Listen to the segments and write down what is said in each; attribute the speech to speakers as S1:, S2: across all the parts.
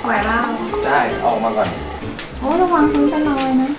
S1: ไหวเปล่า
S2: ได้ออกมาก่อน
S1: โอ้ระวังพื้นเป็นรอยนะ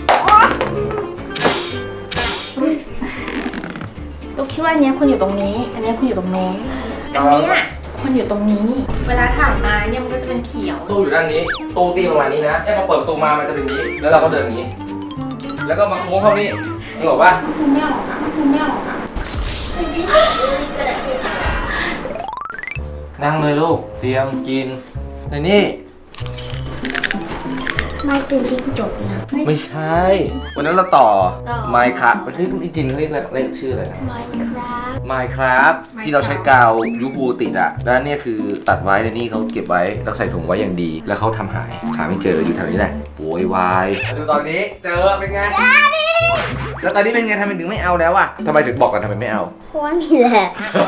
S1: ตุ๊กคิดว่าอันนี้คุณอยู่ตรงนี้อันนี้คุณอยู่ตรงโน้นอันนี้คนอยู่ตรงนี้เวลาถ่ายมาเนี่ยมันก็จะเป็นเขียว
S2: ตู้อยู่ด้านนี้ตู้ตีประมาณนี้นะพอเปิดประตูมามันจะเป็นอย่างนี้แล้วเราก็เดินอย่างนี้แล้วก็มาโค้งเข้านี่นึกออกปะ
S1: คุณไม่ออกอ่ะคุณไม่ออกอ่ะ
S2: นั่งเลยลูกเตรียมกินในนี่
S3: ไม่เป็นจิ้งจกนะ
S2: ไม่ใช่วันนั้นเราต่อ Minecraft มันคือจริงๆเขาเรียกอะไรชื่ออะไรนะ Minecraft ที่เราใช้กาวยูบูติดอ่ะแล้วเนี่ยคือตัดไว้ในนี่เขาเก็บไว้แล้วใส่ถุงไว้อย่างดีแล้วเขาทำหาไม่เจออยู่แถวนี้แหละโวยวายมาดูตอนนี้เจอเป็นไงแล้วตอนนี้เป็นไงทำไมถึงไม่เอาแล้วอ่ะทำไมถึงบอกกันทำไมไม่เอา
S3: เพราะว่ามีแหละ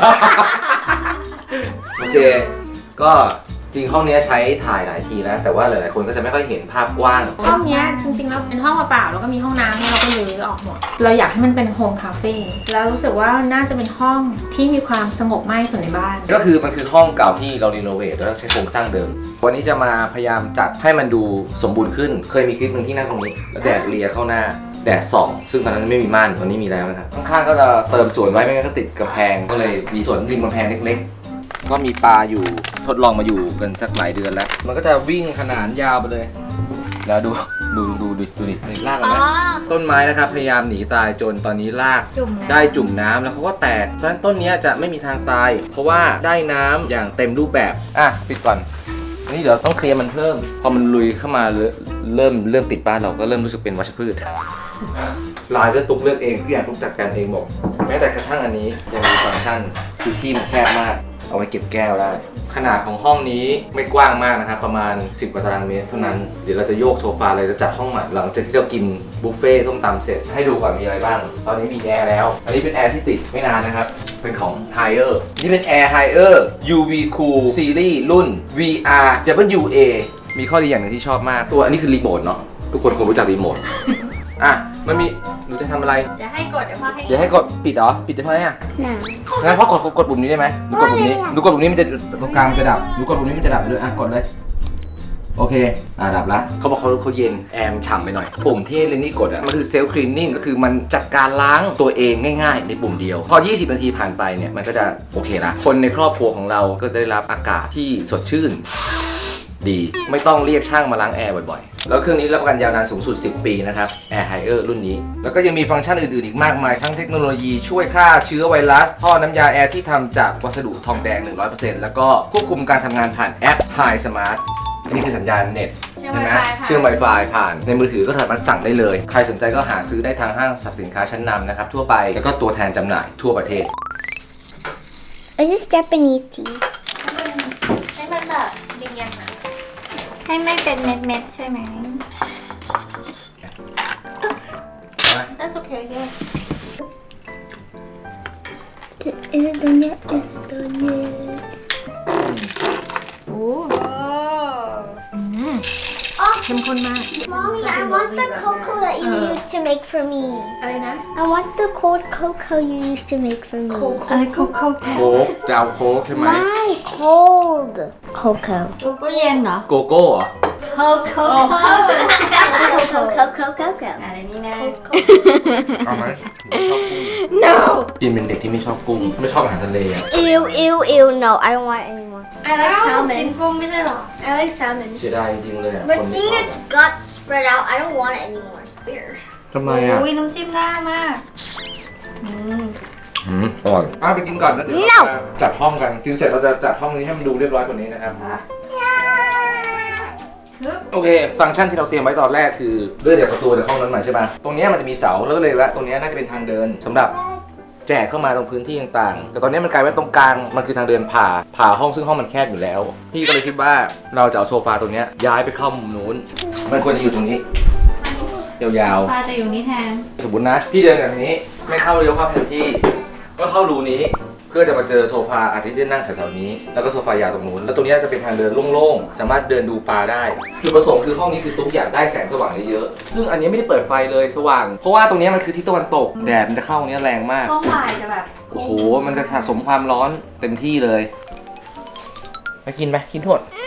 S2: โอเคก็จริงห้องนี้ใช้ถ่ายหลายทีแล้วแต่ว่าหลายๆคนก็จะไม่ค่อยเห็นภาพกว้าง
S1: ห้องนี้จริงๆแล้วเป็นห้องเปล่าๆแล้วก็มีห้องน้ำเราก็รื้อออกหมดเราอยากให้มันเป็นโฮมคาเฟ่แล้วรู้สึกว่าน่าจะเป็นห้องที่มีความสงบมากที่สุดในบ้าน
S2: ก็คือมันคือห้องเก่าที่เรารีโนเวทแล้วใช้โครงสร้างเดิมวันนี้จะมาพยายามจัดให้มันดูสมบูรณ์ขึ้นเคยมีคลิปหนึ่งที่นั่งตรงนี้แล้วแดดเลียเข้าหน้าแดดส่องซึ่งตอนนั้นไม่มีม่านตอนนี้มีแล้วนะครับข้างๆก็จะเติมสวนไว้ไม่งั้นก็ติดกำแพงก็เลยมีสวนริมกำแพงเล็กๆก็มีปลาอยู่ทดลองมาอยู่กันสักหลายเดือนแล้วมันก็จะวิ่งขนานยาวไปเลยแล้วดูดิรากนะต้นไม้นะครับพยายามหนีตายจนตอนนี้รากได้จุ่มน้ำแล้วเขาก็แตกเพราะฉะนั้นต้นนี้จะไม่มีทางตายเพราะว่าได้น้ำอย่างเต็มรูปแบบปิดก่อนนี่เดี๋ยวต้องเคลียร์มันเพิ่มพอมันลุยเข้ามาเริ่มติดบ้านเราก็เริ่มรู้สึกเป็นวัชพืชลายก็ตุกเลือกเองทุกอย่างตุกจัดการเองหมดแม้แต่กระทั่งอันนี้ยังมีฟังก์ชันคือที่มันแคบมากเอาไว้เก็บแก้วได้ขนาดของห้องนี้ไม่กว้างมากนะครับประมาณ10กว่าตารางเมตรเท่านั้นเดี๋ยวเราจะโยกโซฟาเลยจะจัดห้องใหม่หลังจากที่เรากินบุฟเฟ่ต์ส้มตำเสร็จให้ดูก่อนมีอะไรบ้างตอนนี้มีแอร์แล้วอันนี้เป็นแอร์ที่ติดไม่นานนะครับเป็นของ Haier นี่เป็น Air Haier UV Cool Series รุ่น VR WA มีข้อดีอย่างหนึ่งที่ชอบมากตัวอันนี้คือรีโมทเนาะทุกคนคงรู้จักรีโมทมันมีหนูจะทำอะไร
S1: เดี๋ยวให้กดเดี๋
S2: ยวให้กดปิดเหรอปิดจะทำไมงั้นพ่อกดปุ่มนี้ได้ไหมหนูกดปุ่มนี้มันจะตรงกลางมันจะดับหนูกดปุ่มนี้มันจะดับไปเลยกดเลยโอเคดับละเขาบอกเขาเย็นแอร์ฉ่ำไปหน่อยปุ่มที่เรนนี่กดมันคือเซลฟ์คลีนนิ่งก็คือมันจัดการล้างตัวเองง่ายๆในปุ่มเดียวพอ20นาทีผ่านไปเนี่ยมันก็จะโอเคละคนในครอบครัวของเราก็ได้รับอากาศที่สดชื่นดีไม่ต้องเรียกช่างมาล้างแอร์บ่อยๆแล้วเครื่องนี้รับประกันยาวนานสูงสุด10 ปีนะครับ Air Haier รุ่นนี้แล้วก็ยังมีฟังก์ชันอื่นๆอีกมากมายทั้งเทคโนโลยีช่วยฆ่าเชื้อไวรัสท่อน้ำยาแอร์ที่ทำจากวัสดุทองแดง 100% แล้วก็ควบคุมการทำงานผ่านแอป Hi Smart อันนี้คือสัญญาณเน็ตใช่ไหมเชื่อม Wi-Fi ผ่านในมือถือก็สามารถสั่งได้เลยใครสนใจก็หาซื้อได้ทางห้างสรรพสินค้าชั้นนำนะครับทั่วไปแล้วก็ตัวแทนจำหน่ายทั่วประเทศ
S3: Is this Japanese tea
S1: ให้มันแบบเรียง
S3: ให้ไม่เป็นเม็ดๆใช่ไหม
S1: That's okay yeah
S3: Is it done yet? Is it done yet?
S1: โอ้เข้มข้นมาก
S3: Mommy, I want the cocoa that you used to make for me
S1: อะไรนะ
S3: I want the cold cocoa you used to make for me
S1: อะไรโคโค่
S2: โค้กจะเอาโค้กใช่ไหม
S3: ไม่ cold cocoa
S1: ก็เย็นเหรอ
S2: โกโก้เหรอ
S1: โคโค่
S3: cocoa
S1: อะไรนี่นะ
S2: เอาไหมชอบกุ้ง
S3: No
S2: จีนเป็นเด็กที่ไม่ชอบกุ้งไม่ชอบอาหารทะเล
S3: Ew no I don't want anymore
S1: I like salmon กินกุ้งไม่ใช่หรอ
S3: I like salmon
S2: เสียดายจริงๆเลย
S3: But seeing its guts spread out I don't want it anymore Weird
S2: ทำไม
S1: อุ้ยน้ำจิ้มน่ามาก
S2: อร่อยไปกินก่อนแล้วเดี๋ยวเราจะจัดห้องกันกินเสร็จเราจะจัดห้องนี้ให้มันดูเรียบร้อยกว่านี้นะครับโอเคฟังก์ชันที่เราเตรียมไว้ตอนแรกคือเลื่อนจากประตูจากห้องนั้นมาใช่ไหมตรงนี้มันจะมีเสาแล้วก็เลยว่าตรงนี้น่าจะเป็นทางเดินสำหรับแจกเข้ามาตรงพื้นที่ต่างๆแต่ตอนนี้มันกลายเป็นตรงกลางมันคือทางเดินผ่าห้องซึ่งห้องมันแคบอยู่แล้วพี่ก็เลยคิดว่าเราจะเอาโซฟาตรงนี้ย้ายไปเข้ามุมนู้นมันควรจะอยู่ตรงนี้ยาว
S1: ๆจะอยู่นี่แทน
S2: สมมตินะพี่เดินแบบนี้ไม่เข้าเลี้ยวเข้าแผนที่ก็เข้ารูนี้เพื่อจะมาเจอโซฟาอาทิตย์ที่นั่งแถวๆนี้แล้วก็โซฟายาวตรงนู้นแล้วตรงนี้จะเป็นทางเดินโล่งๆสามารถเดินดูปลาได้จุดประสงค์คือห้องนี้คือตุ๊กอยากได้แสงสว่างเยอะๆซึ่งอันนี้ไม่ได้เปิดไฟเลยสว่างเพราะว่าตรงนี้มันคือทิศตะวันตกแดดมันจะเข้าตรงนี้แรงมาก
S1: ช่วงบ่ายจะแบบ
S2: โอ้โหมันจะสะสมความร้อนเต็มที่เลยมากินไหมกินทวด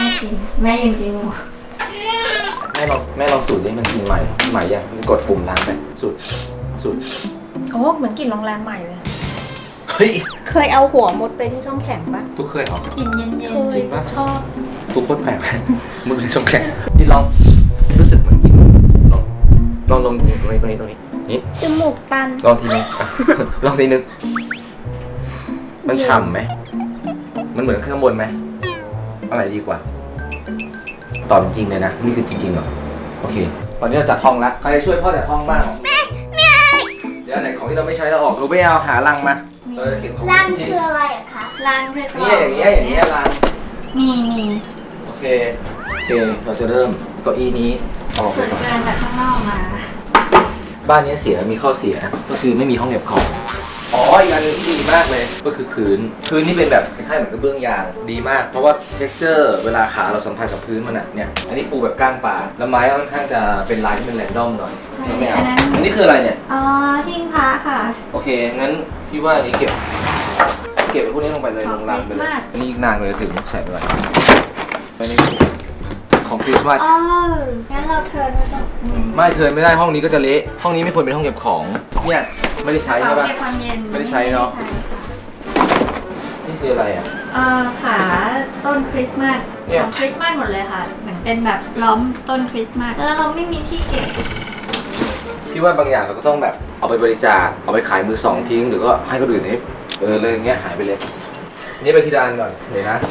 S4: กินแม่ยังกินอยู่
S2: แม่ลองสูตรนี้มันกินใหม่ยังกดปุ่มล้างไปสูตร
S1: โอ้เหมือนกลิ่นโรงแรมใหม่เลย
S2: เฮ้ย
S1: เคยเอาหัวมุดไปที่ช่องแข็งปะ
S2: ทุกเคยเหรอ
S1: กลิ่นเย็น
S2: จริงปะ
S1: ชอบ
S2: ทุกคนแปลกเลยมึงเป็นช่องแข็งที่ลองรู้สึกเหมือนกินลองตรงนี้นี่
S1: จมูกตัน
S2: ลองทีนึงอ่ะ ลองทีนึงมันฉ่ำไหมมันเหมือนข้างบนไหมอะไรดีกว่าตอบจริงเลยนะนี่คือจริงๆเหรอโอเคตอนนี้เราจัดห้องแล้วใครจะช่วยพ่อจัดห้องบ้างเดี๋ยวไหนของที่เราไม่ใช้เราออกรู้ไม่เอาหาลังมาเราจะเก็บของ
S3: รัง
S2: ที่
S3: คืออะไรอะคะ
S4: ร้านเพื่อน
S2: เนี่ยอย่างเงี้ยลัง
S4: มี
S2: โอเคเราจะเริ่มเก้าอี้นี้ออกไป
S4: ส่วน
S2: ก่อน
S4: เกินจากข้างนอกมา
S2: บ้านนี้เสียมีข้อเสียก็คือไม่มีห้องเก็บของอ๋ออีกอันหนึงที่ดีมากเลยก็คือพื้นนี่เป็นแบบคล้ายๆเหมือนกระเบื้องยางดีมากเพราะว่า texture เวลาขาเราสัมผัสกับพื้นมันเนี่ยอันนี้ปูแบบก้างปลาแล้วไม้ค่อนข้างจะเป็นลายที่เป็นแรนดอมหน่อยไม่เอาอันนี้คืออะไรเนี่ย
S4: อ๋อทิ้งพระค่ะ
S2: โอเคงั้นพี่ว่าอันนี้เก็บไว้พวกนี้ลงไปเลย
S4: ข
S2: ล
S4: อง
S2: งรางไปเลย
S4: Christmas
S2: อันนี้อีกนานเลยถึงใส่ไปก่อนไม่ได้ของคริสต์มาส
S4: อ๋องั้นเราเทิร์นไว้ตรงนี้
S2: ไม่เทิร์นไม่ได้ห้องนี้ก็จะเละห้องนี้ไม่ควรเป็นห้องเก็บของเนี่ยไม่ได้ใช้
S4: เป่า
S2: ใช่ปะ
S4: เก็บความเย็น
S2: ไม่ได้ใช้เนอะ
S4: ไม่ได้ใช้ค่ะ
S2: นี่คืออะไรอ่ะ
S4: ขาต้นคริสต์มาส
S2: เนี่ย
S4: ของคริสต์มาสหมดเลยค่ะเหมือนเป็นแบบล้อมต้นคริสต์มาสแล้วเราไม่มีที่เก็บ
S2: พี่ว่าบางอย่างเราก็ต้องแบบเอาไปบริจาคเอาไปขายมือสองทิ้งหรือก็ให้คนอื่นให้เลยอย่างเงี้ยหายไปเลยนี่ไปที่ร้านก่อนเดี๋ยวนะ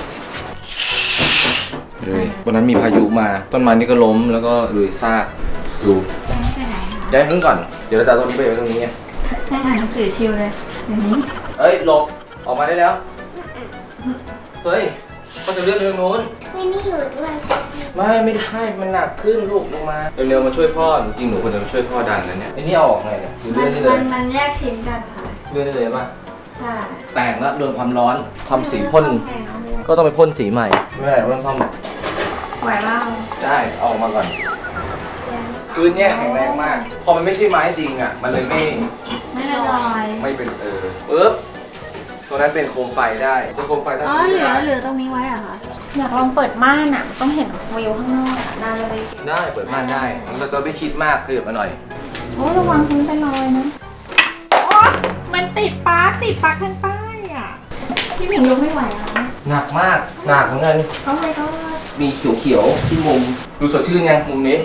S2: เลยวันนั้นมีพายุมาต้นไม้นี่ก็ล้มแล้วก็ลุยซากดู
S4: ไปไหนคะ
S2: ย้ายพื้นก่อนเดี๋ยวเราจะเอาต้นนี้ไปไว้ตรงนี้ไง
S4: ได้อ่านหนังสือชิลเลยเดี๋ยวนี้
S2: เอ้ยหลบออกมาได้แล้วเฮ้ยก็จะเลื่อนไปตรงนู้น
S3: ไม่นี่อยู่ด้วย
S2: ไม่ได้มันหนักขึ้นลูกลงมาเร็วๆมาช่วยพ่อจริงๆหนูควรจะมาช่วยพ่อดันนะเนี่ยไอ้นี่เอาออกไงเนี่ยหรือ
S4: มั
S2: เลื่อนได้เลย
S4: มันแยกชิ้นกันค่ะ
S2: เลื่อนได้เลยป่ะ
S4: ใช่
S2: แตกแล้วโดนความร้อนทำสีพ่น ก็ต้องไปพ่นสีใหม่ไม่เป็นไรเราต้องซ่อม
S4: ไหวเปล่า
S2: ได้เอาออกมาก่อนพื้นเนี่ยแข็งแรงมาก พอมันไม่ใช่ไม้จริงอ่ะมันเลยไม่
S4: ไม่เป็นรอย
S2: ไม่เป็นปึ๊บตัวนั้นเป็นโคมไฟได้จะโคมไฟตั้ง
S4: อ๋อ
S2: ที่
S4: เหลือตรงนี้ไว้เหรอะคะ
S1: อยากลองเปิดม่านอ่ะ ต้องเห็นวิวข้างนอกอ่ะได้เลย
S2: ได้เปิดม่านได้เราจะไม่ชิดมากขยับมาหน่อย
S1: โอ้ระวังพื้นเป็นรอยนะโอ๊ยมันติดปลั๊กข้างใต้อ่ะ
S4: พี่หมิงยกไม่ไหวเหรอคะ
S2: หนักมากหนักเหมือนกัน
S4: เขาเลยก็
S2: มีเขียวๆที่มุมดูสดชื่นไงมุมนี้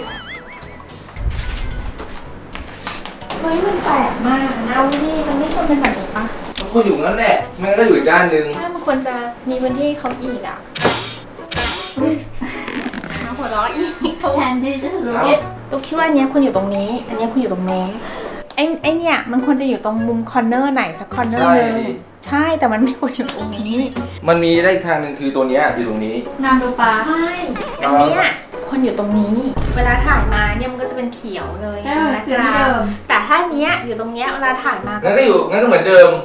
S1: เฮ้ยมันแปลกมากนะเอาที่มันไม่ควรเป็นแบบนี้ปะ
S2: มันควรอยู่งั้นแหละไมันก็อยู่อีกด้านหนึ่ง
S1: ถ้ามันควรจะมีพื้นที่เขาอีกอ่ะมาหัวเราะอีก
S4: แทนที่จะรู้
S1: ตุ๊กคิดว่าอันเนี้ยควรอยู่ตรงนี้ อันเนี้ยควรอยู่ตรงโน้นไอ้เนี่ยมันควรจะอยู่ตรงมุมคอร์เนอร์ไหนสักคอร์เนอร์
S2: ใช่
S1: นึงใช่แต่มันไม่ควรอยู่ตรงนี้
S2: มันมีได้อีกทางหนึ่งคือตัวเนี้ยอยู่ตรงนี้
S4: งานดูปลา
S1: ใช่อันเนี้ยควรอยู่ตรงนี้ เวลาถ่ายมาเนี่ยมันก็จะเป็นเขียวเลย
S4: คือที่เดิม
S1: แต่ถ้าเนี้ยอยู่ตรงเนี้ยเวลาถ่ายมา
S2: งั้นก็เหมือนเดิม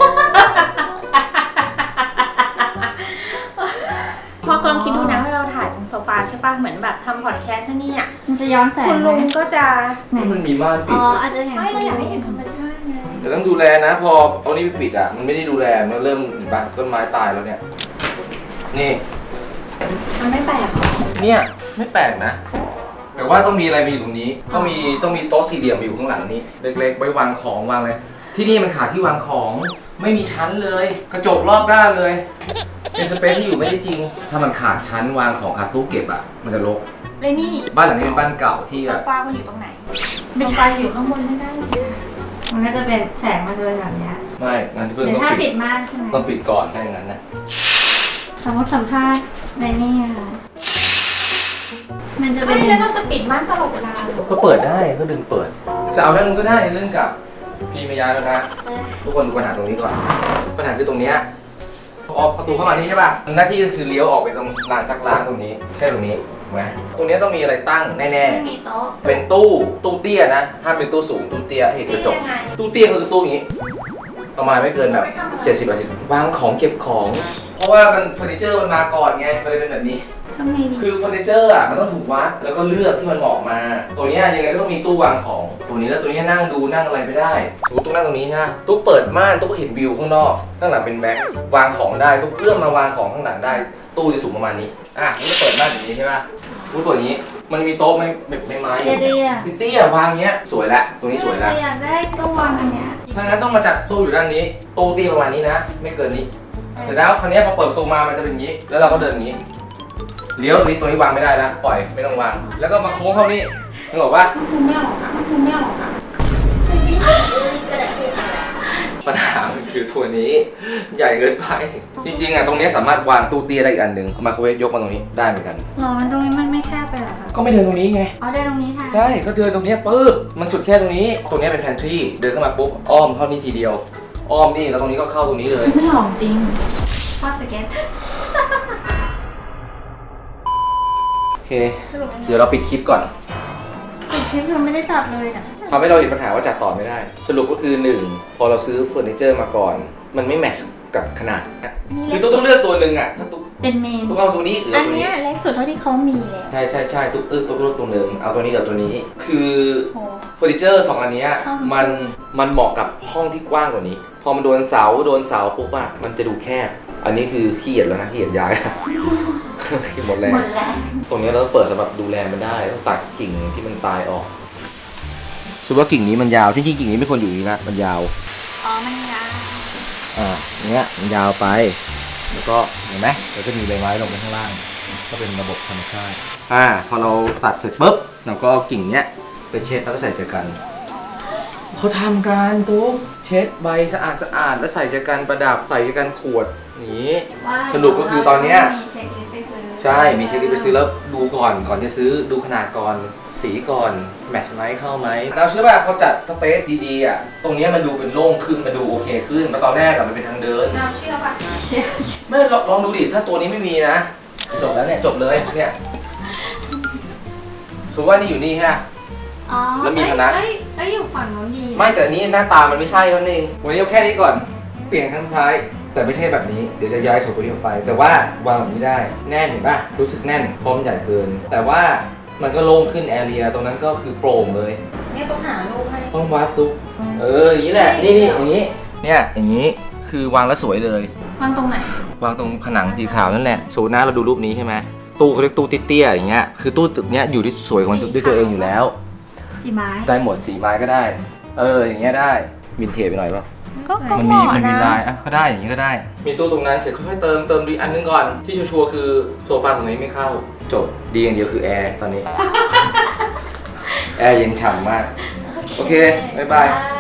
S1: พอกลองคิดดูนะว่าเราถ่ายตรงโซฟาใช่ป่ะเหมือนแบบทำพอดแคสต์เนี่ย
S4: มันจะย้อนแสง
S1: คุณ
S4: ไหม
S1: ลุงก็จะ
S2: มันมีม่านปิ
S4: อ๋
S2: ด
S4: ออาจจะเห็น
S1: ไม่เราอยากให้เห็นธรรมชาติไง
S2: แต่ต้องดูแลนะ พอเอานี้ไปปิดอ่ะมันไม่ได้ดูแลมันเริ่มเห็นปะต้นไม้ตายแล้วเนี่ยนี่
S1: มันไม่แปลกหรอ
S2: เนี่ยไม่แปลกนะแต่ว่าต้องมีอะไรมาอยู่ตรงนี้ต้องมีโต๊ะสี่เหลี่ยมมาอยู่ข้างหลังนี้เล็กๆไว้วางของวางอะไรที่นี่มันขาดที่วางของไม่มีชั้นเลย กระจกรอบด้านเลยเป็นสเปซที่อยู่ไม่ได้จริง ถ้ามันขาดชั้นวางของขาดตู้เก็บอ่ะมันจะรก
S1: เลยนี่
S2: บ้านหลังนี้เป็นบ้านเก่าที่
S1: โซ
S2: แบบ
S1: ฟาก็อยู่ตรงไหน
S4: ไม่
S1: โซ
S4: ใช่
S1: ฟาอยู่ข้างบนไม่ได้สิ
S4: มันก็จะเป็นแสงมันจะเป็นแบบเนี้ย
S2: ไม่งานที่เพิ่ง
S4: หรือ
S2: ต้อง
S4: ถ้า
S2: ปิ
S4: ปิ
S2: ด
S4: ดมากใช่ไหม
S2: ต้องปิดก่อนถ้าอย่างนั้นนะ
S4: สมมติสัมภาษณ์ในนี่อะค่ะมันจะเป็
S1: ไม่
S4: น
S1: แล้วเราจะปิดม่านตลอดเวลาเหรอ
S2: ก็เปิดได้ก็ดึงเปิด จะเอาด้านนู้นก็ได้เรื่องกับพี่ไม่ย้ายแล้วนะ ทุกคนดูปัญหาตรงนี้ก่อน ปัญหาคือตรงเนี้ยออกประตูเข้ามานี่ใช่ป่ะหน้าที่ก็คือเลี้ยวออกไปตรงลานซักล้างตรงนี้แค่ตรงนี้ถูกไหมตรงเนี้ยต้องมีอะไรตั้งแน่
S4: ไม่มีโต๊ะ
S2: ๆเป็นตู้เตี้ยนะห้ามเป็นตู้สูงตู้เตี้ยให้เห็นกระจกตู้เตี้ยก็คือตู้อย่างนี้ ประมาณไม่เกินแบบ70-80วางของเก็บของ เพราะว่ามันเฟอร์นิเจอร์มันมาก่อนไงมันเลยเป็นแบบนี้
S4: ทำไงดี
S2: คือเฟอร์นิเจอร์อ่ะมันต้องถูกวัดแล้วก็เลือกที่มันเหมาะมา ตัวเนี้ยยังไงก็ต้องมีตู้วางของ ตัวนี้แล้วตัวนี้นั่งดูนั่งอะไรไม่ได้ตู้นั่งตรงนี้นะตู้เปิดม่านตู้ก็เห็นวิวข้างนอกข้างหลังเป็นแบ็ควางของได้ตู้เอื้อมมาวางของข้างหลังได้ตู้จะสูงประมาณนี้นี่จะเปิดบ้านอย่างนี้ใช่ป่ะตู้เปิดอย่างนี้มันมีโต๊ะไม่ไม้
S4: เตี้ย
S2: เตี้ยวางเงี้ยสวยละตรงนี้สวยละ
S4: อยากได้ตู้วางอันเนี้ย
S2: ถ้างั้นต้องมาจัดตู้อยู่ด้านนี้ตู้เตี้ยประมาณนี้นะไม่เกินนี้เสร็จแล้วคราวนี้พอเปิดประตูมามันจะเป็นอย่างนี้แล้วเราก็เดินอย่างนี้เลี้ยวตรงนี้วางไม่ได้แล้วปล่อยไม่ต้องวางแล้วก็มาโค้งเข้านี่นึกออกปะ
S1: คุณไม่ออกอ่ะคุณไม่ออกอ่ะ
S3: Really good at hitting that.
S2: ปัญหามันคือตัวนี้ใหญ่เกินไปจริงๆตรงนี้สามารถวางตู้เตี้ยได้อีกอันหนึ่งไมโครเวฟยกมาตรงนี้ได้เหมือนกัน
S4: หรอมันตรงนี้มันไม่แคบไปเหรอคะ
S2: ก็ไม่เดินตรงนี้ไง
S4: อ๋อเดินตรงนี้แทน
S2: ใช่ก็เดินตรงนี้ปึ๊บมันสุดแค่ตรงนี้เป็นแพนทรีเดินเข้ามาปุ๊บอ้อมเข้านี่ทีเดียวอ้อมนี่แล้วตรงนี้ก็เข้าตรงนี้เลย
S1: ไม่ออกจริง
S4: พ่อสเก็ต
S2: โอเคเดี๋ยวเราปิดคลิปก่อน
S1: คลิปยังไม่ได้จัดเลยนะ
S2: ทำให้เราเห็นปัญหาว่าจัดต่อไม่ได้ สรุปก็คือ 1 พอเราซื้อเฟอร์นิเจอร์มาก่อน มันไม่แมทช์กับขนาดคือตุ๊กต้องเลือกตัวหนึ่งอ่ะถ้าตุ๊ก
S4: เป็นเมน
S2: เอาตัวนี้หรือ
S1: อั
S2: เอา
S1: น
S2: ตัว
S1: เนี้
S2: นี้
S1: ยเล็กสุดเท่าที่เขามีเลย
S2: ใช่ตุ๊กตุ๊กเลือกตัวหนึ่งเอาตัวนี้หรือตัวนี้ คือ
S1: โอ้
S2: เฟอร์นิเจอร์2อันเนี้ย
S1: ชอบ
S2: มันเหมาะกับห้องที่กว้างกว่านี้ พอมันโดนเสาปุ๊บอ่ะมันจะดูแคบ อันนี้คือขี้เกียจแล้วนะขี้เกียจย้ายนะ หมดแรง
S4: หมดแล้ว
S2: ตรงนี้เราต้องเปิดสำหรับดูแลมันได้ต้องตัดกิ่งที่มันตายออกสมมติว่ากิ่งนี้มันยาวที่จริงกิ่งนี้ไม่ควรอยู่อย่างนี้นะมันยาว
S4: อ๋อมันยาว
S2: อย่างเงี้ยมันยาวไป แล้วก็เห็นไหมเราจะมีใบไม้ลงไปข้างล่าง ก็เป็นระบบธรรมชาติพอเราตัดเสร็จปุ๊บเราก็เอากิ่งเนี้ยไปเช็ดแล้วก็ใส่เจอกันเขาทำการตุ๊กเช็ดใบสะอาดแล้วใส่เจอกันประดับใส่เจอกันขวดอย่างนี้
S4: ว่า
S2: สรุปก็คือตอนเนี้ย
S4: มีเช็คลิสต์ไปซื้อ
S2: ใช่มีเช็คลิสต์ไปซื้อแล้วดูก่อนจะซื้อดูขนาดก่อนสีก่อนแมทช์ไหมเข้าไหมเราเชื่อว่าพอจัดสเปซดีๆตรงนี้มันดูเป็นโล่งขึ้นมันดูโอเคขึ้นมาตอนแรกมันเป็นทางเดิน
S1: เราเชื่อป่ะ
S4: เช็ค
S2: ไม่ลองดูดิถ้าตัวนี้ไม่มีนะจบแล้วเนี่ยจบเลยเนี่ยสมมติว่านี่อยู่นี่ฮะ
S4: อ๋อ
S2: แล้วมีคณะ
S4: เอ้ยอยู่ฝั่งนู้นดี
S2: ไม่แต่อันนี้หน้าตามันไม่ใช่นั่นเองวันนี้เอาแค่นี้ก่อนเปลี่ยนครั้งสุดท้ายแต่ไม่ใช่แบบนี้เดี๋ยวจะย้ายโซนตัวนี้ออกไป แต่ว่าวางแบบนี้ได้แน่นเห็นป่ะรู้สึกแน่นเพราะมันใหญ่เกิน แต่ว่ามันก็โล่งขึ้นแอเรียตรงนั้นก็คือโปร่งเลย
S1: เนี่ยต้องหารูปให้
S2: ต้องวัดตุ๊กอย่างนี้แหละนี่อย่างนี้เนี่ยอย่างนี้คือวางแล้วสวยเลยว
S1: างตรงไหน
S2: วางตรงผนังสีขาวนั่นแหละโซน่าเราดูรูปนี้ใช่ไหมตู้เขาเรียกตู้เตี้ยๆอย่างเงี้ยคือตู้ตึกเนี้ยอยู่ที่สวยของมันด้วยตัวเองอยู่แล้ว
S4: สีไม้
S2: ได้หมดสีไม้ก็ได้อย่างเงี้ยได้วินเทจไปหน่อยป่ะ
S1: ก็
S2: มัน
S1: เห
S2: มี
S1: มาะ
S2: มันมี
S1: นะ
S2: ลายก็ได้อย่างงี้ก็ได้ มีตู้ตรงนั้นเสร็จค่อยๆเติมดีอันนึงก่อนที่ชัวร์ๆคือโซฟาตรงนี้ไม่เข้าจบดีอย่างเดียวคือแอร์ตอนนี้ แอร์เย็นฉ่ำมากโอเคบ๊ายบาย
S4: บาย